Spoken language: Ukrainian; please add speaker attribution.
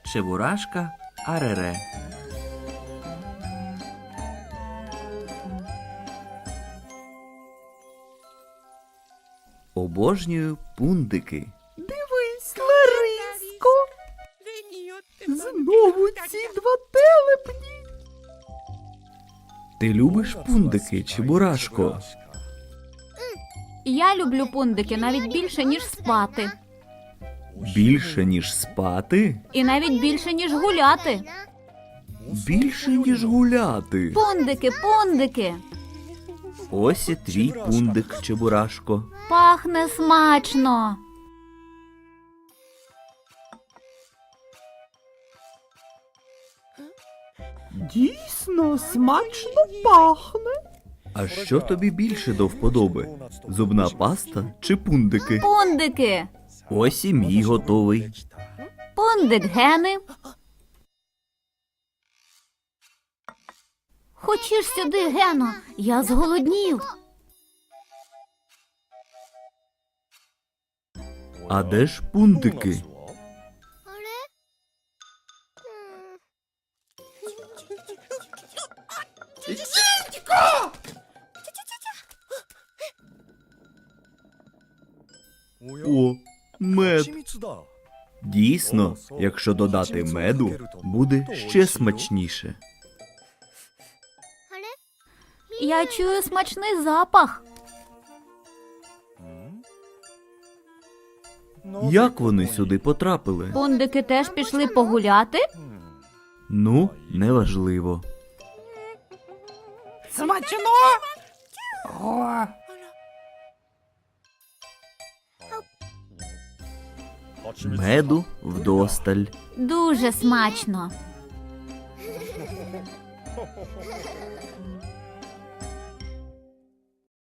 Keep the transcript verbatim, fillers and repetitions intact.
Speaker 1: Чебурашка Арере. Обожнюю пундики.
Speaker 2: Дивись, Лариско! Знову ці два телепні!
Speaker 1: Ти любиш пундики, Чебурашко?
Speaker 3: Я люблю пундики навіть більше, ніж спати.
Speaker 1: Більше, ніж спати?
Speaker 3: І навіть більше, ніж гуляти.
Speaker 1: Більше, ніж гуляти.
Speaker 3: Пундики, пундики.
Speaker 1: Ось і твій пундик, Чебурашко.
Speaker 3: Пахне смачно.
Speaker 2: Дійсно, смачно пахне.
Speaker 1: А що тобі більше до вподоби? Зубна паста чи пундики?
Speaker 3: Пундики.
Speaker 1: Ось і мій готовий.
Speaker 3: Пундик Гени. Хочеш сюди, Гено? Я зголоднів.
Speaker 1: А де ж пундики? О, мед. Дійсно, якщо додати меду, буде ще смачніше.
Speaker 3: Я чую смачний запах.
Speaker 1: Як вони сюди потрапили?
Speaker 3: Пундики теж пішли погуляти?
Speaker 1: Ну, неважливо.
Speaker 2: Смачно! О,
Speaker 1: Меду вдосталь.
Speaker 3: Дуже смачно.